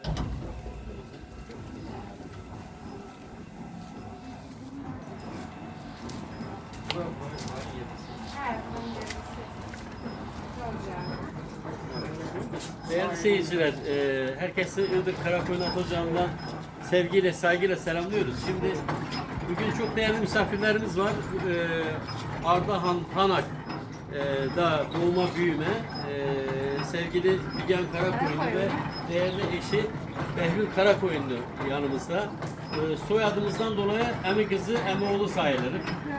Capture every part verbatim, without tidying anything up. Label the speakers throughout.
Speaker 1: Değerli seyirciler, e, herkesi Iğdır Karakoyun Atocağı'ndan sevgiyle, saygıyla selamlıyoruz. Şimdi bugün çok değerli misafirlerimiz var. E, Ardahan Hanak e, da doğuma büyüme e, sevgili Figen Karakoyunlu ve değerli eşi Behlül Karakoyunlu yanımızda. E, soyadımızdan dolayı emi kızı, emi oğlu sayılır.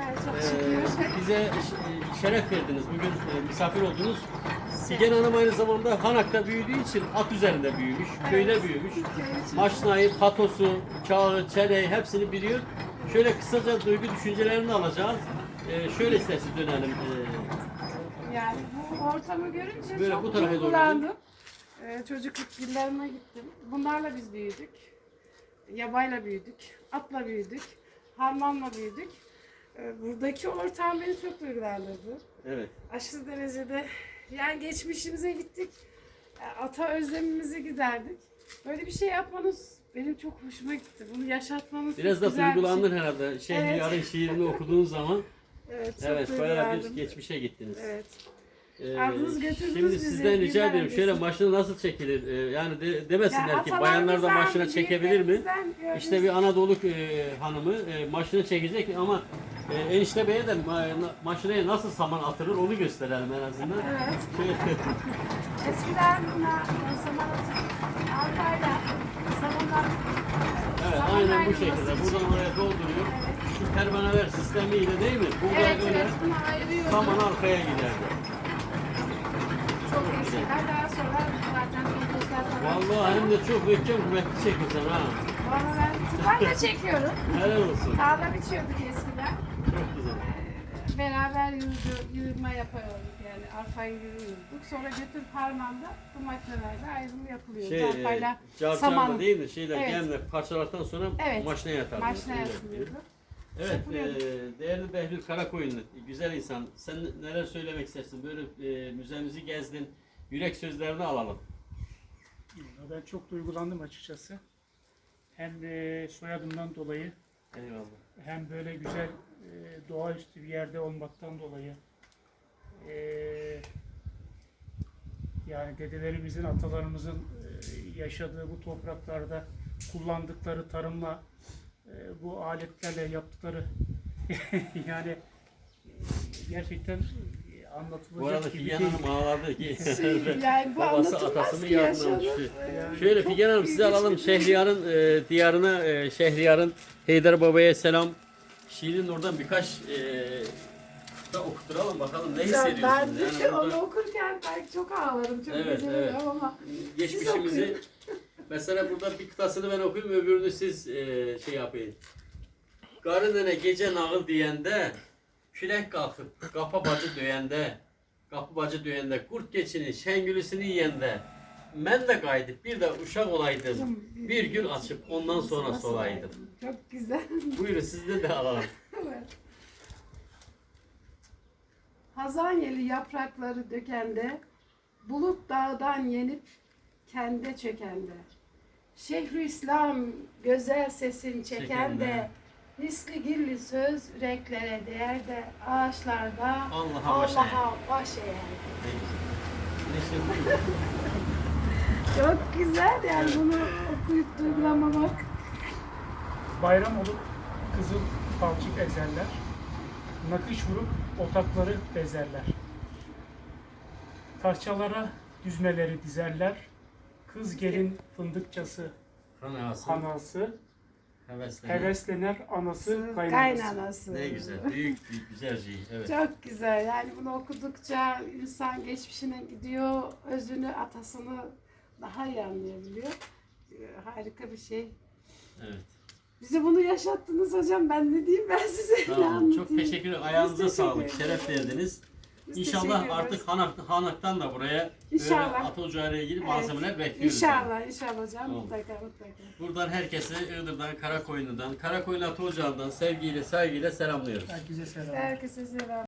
Speaker 1: E, bize şeref verdiniz. Bugün e, misafir oldunuz. Figen Hanım aynı zamanda Hanak'ta büyüdüğü için at üzerinde büyümüş, evet, köyde büyümüş. Maşnayı, patosu, çağı, çeleği hepsini biliyor. Şöyle kısaca duygu düşüncelerini alacağız. Ee, şöyle isterseniz dönelim. Ee,
Speaker 2: yani bu ortamı görünce
Speaker 1: böyle
Speaker 2: çok
Speaker 1: bu tarafa doğru
Speaker 2: duygulandım. Ee, çocukluk yıllarına gittim. Bunlarla biz büyüdük. Yabayla büyüdük, atla büyüdük, harmanla büyüdük. Ee, buradaki ortam beni çok duygulandırdı.
Speaker 1: Evet.
Speaker 2: Aşırı derecede. Yani geçmişimize gittik, ata özlemimizi giderdik. Böyle bir şey yapmanız benim çok hoşuma gitti. Bunu yaşatmanız
Speaker 1: biraz
Speaker 2: çok
Speaker 1: da
Speaker 2: güzel
Speaker 1: duygulandın
Speaker 2: bir şey.
Speaker 1: herhalde. Şehriyar'ın evet. şiirini okuduğun zaman.
Speaker 2: Evet, çok
Speaker 1: evet, bayağı bir
Speaker 2: duygulandım.
Speaker 1: geçmişe gittiniz.
Speaker 2: Evet.
Speaker 1: Ee,
Speaker 2: Aldınız, götürdünüz
Speaker 1: şimdi
Speaker 2: bizi,
Speaker 1: sizden rica
Speaker 2: yıllar
Speaker 1: ediyorum, şöyle
Speaker 2: öncesi.
Speaker 1: maşına nasıl çekilir? Ee, yani de, demesinler
Speaker 2: Ya
Speaker 1: ki bayanlar da maşına
Speaker 2: atalarımızdan,
Speaker 1: çekebilir mi?
Speaker 2: büyüklerimizden
Speaker 1: İşte bir Anadolu e, hanımı e, maşına çekecek ama e, enişte beye de ma, maşinaya nasıl saman atılır onu gösterelim en azından.
Speaker 2: Evet.
Speaker 1: Şöyle,
Speaker 2: Eskiden buna saman atıp arpayla samandan
Speaker 1: evet,
Speaker 2: saman
Speaker 1: aynen bu
Speaker 2: ayrılması
Speaker 1: şekilde.
Speaker 2: için.
Speaker 1: Buradan oraya dolduruyor.
Speaker 2: Evet.
Speaker 1: Şu pervaneler sistemiyle değil mi? Burada
Speaker 2: Evet,
Speaker 1: öyle
Speaker 2: evet, bunu ayırıyoruz.
Speaker 1: saman arkaya giderdi.
Speaker 2: Çok eskiden, daha sonra zaten otobüsler falan.
Speaker 1: Vallahi hem de çok möhkem kuvvetli çekiyorsun ha.
Speaker 2: Valla ben tıklarla çekiyorum.
Speaker 1: Helal olsun.
Speaker 2: Tarla biçiyorduk eskiden.
Speaker 1: Çok güzel.
Speaker 2: Ee, Beraber yürüdü, yürüme yapıyorduk yani arpayı yürüyorduk. Sonra götür parmağında bu makinelerle ayrımı yapılıyor.
Speaker 1: Şey,
Speaker 2: Arpayla
Speaker 1: carcarla
Speaker 2: saman.
Speaker 1: değil mi? Şeyler
Speaker 2: Evet.
Speaker 1: gemle parçalardan sonra
Speaker 2: Evet.
Speaker 1: maşineye atarlar.
Speaker 2: Maşineye atılıyordu.
Speaker 1: Evet,
Speaker 2: Yapılıyordu.
Speaker 1: e, değerli Behlül Karakoyunlu, güzel insan. Sen neler söylemek istersin? Böyle e, müzemizi gezdin, yürek sözlerini alalım.
Speaker 3: Ben çok duygulandım açıkçası. Hem e, soyadımdan dolayı,
Speaker 1: Eyvallah.
Speaker 3: hem böyle güzel e, doğaüstü bir yerde olmaktan dolayı, e, yani dedelerimizin, atalarımızın e, yaşadığı bu topraklarda kullandıkları tarımla, e, bu aletlerle yaptıkları yani e, gerçekten e,
Speaker 1: Bu
Speaker 3: anlatılacak
Speaker 1: arada
Speaker 3: gibi
Speaker 1: Figen
Speaker 3: değil.
Speaker 1: Hanım ağladı ki
Speaker 2: Şey, yani bu
Speaker 1: babası
Speaker 2: anlatılmaz
Speaker 1: atasının
Speaker 2: ki
Speaker 1: yardımına
Speaker 2: yaşanır.
Speaker 1: düştü.
Speaker 2: Yani
Speaker 1: Şöyle
Speaker 2: çok
Speaker 1: Figen Hanım sizi
Speaker 2: ilginç
Speaker 1: alalım
Speaker 2: bir şey.
Speaker 1: Şehriyar'ın e, diyarına, e, Şehriyar'ın Heydar Baba'ya selam. Şiirin oradan birkaç e, da okutturalım bakalım ne
Speaker 2: Ben
Speaker 1: hissediyorsunuz?
Speaker 2: de
Speaker 1: Yani
Speaker 2: onu
Speaker 1: burada
Speaker 2: okurken belki çok ağlarım, çok
Speaker 1: Evet,
Speaker 2: üzülürüm
Speaker 1: evet.
Speaker 2: ama
Speaker 1: geçmişimizi mesela burada bir kıtasını ben okuyayım, öbürünü siz e, şey yapın. Qarı nənə gecə nağıl deyəndə, külək qalxıb qapı bacı döyəndə, qapı bacı döyəndə, qurd keçinin şəngülüsünü yeyəndə, mən də qayıdıb bir də uşaq olaydım, bir gül açıb ondan sonra solaydım.
Speaker 2: Çok güzel.
Speaker 1: Buyurun sizden de alalım.
Speaker 2: Evet. Hazanyeli yaprakları dökende, bulut dağdan yenip kende çökende. Şeyhülislam güzel sesin çekende,
Speaker 1: Çekende.
Speaker 2: misli girli söz yüreklere değer de ağaçlarda
Speaker 1: Allah'a baş eğer.
Speaker 2: Allah'a baş eğer.
Speaker 1: Ne işte buyurun.
Speaker 2: Çok güzel yani bunu okuyup duygulamamak.
Speaker 3: Bayram olup kızıl balçık ezerler, nakış vurup otakları bezerler. Tarçalara düzmeleri dizerler, kız gelin fındıkçası
Speaker 1: Kanası,
Speaker 3: anası,
Speaker 1: heveslenir.
Speaker 3: heveslener anası kaynanası.
Speaker 2: Kaynanası.
Speaker 1: Ne güzel, büyük bir güzel şey. Evet.
Speaker 2: Çok güzel. Yani bunu okudukça insan geçmişine gidiyor, özünü, atasını daha iyi anlayabiliyor. Ee, Harika bir şey.
Speaker 1: Evet.
Speaker 2: Bize bunu yaşattınız hocam. Ben ne diyeyim ben size ne
Speaker 1: Tamam,
Speaker 2: anlatayım.
Speaker 1: çok teşekkür ederim. Ayağınıza
Speaker 2: Biz teşekkür
Speaker 1: sağlık,
Speaker 2: ederiz.
Speaker 1: şeref verdiniz.
Speaker 2: Biz
Speaker 1: İnşallah
Speaker 2: teşekkür
Speaker 1: artık
Speaker 2: ederiz.
Speaker 1: Hanak, Hanak'tan da buraya
Speaker 2: İnşallah.
Speaker 1: böyle at ocağıyla ilgili
Speaker 2: Evet.
Speaker 1: malzemeler bekliyoruz.
Speaker 2: İnşallah, inşallah hocam.
Speaker 1: Tamam.
Speaker 2: Mutlaka, mutlaka.
Speaker 1: Buradan herkese Iğdır'dan, Karakoyunlu'dan, Karakoyunlu At Ocağı'ndan sevgiyle, saygıyla selamlıyoruz.
Speaker 3: Herkese selam.
Speaker 2: Herkese selam.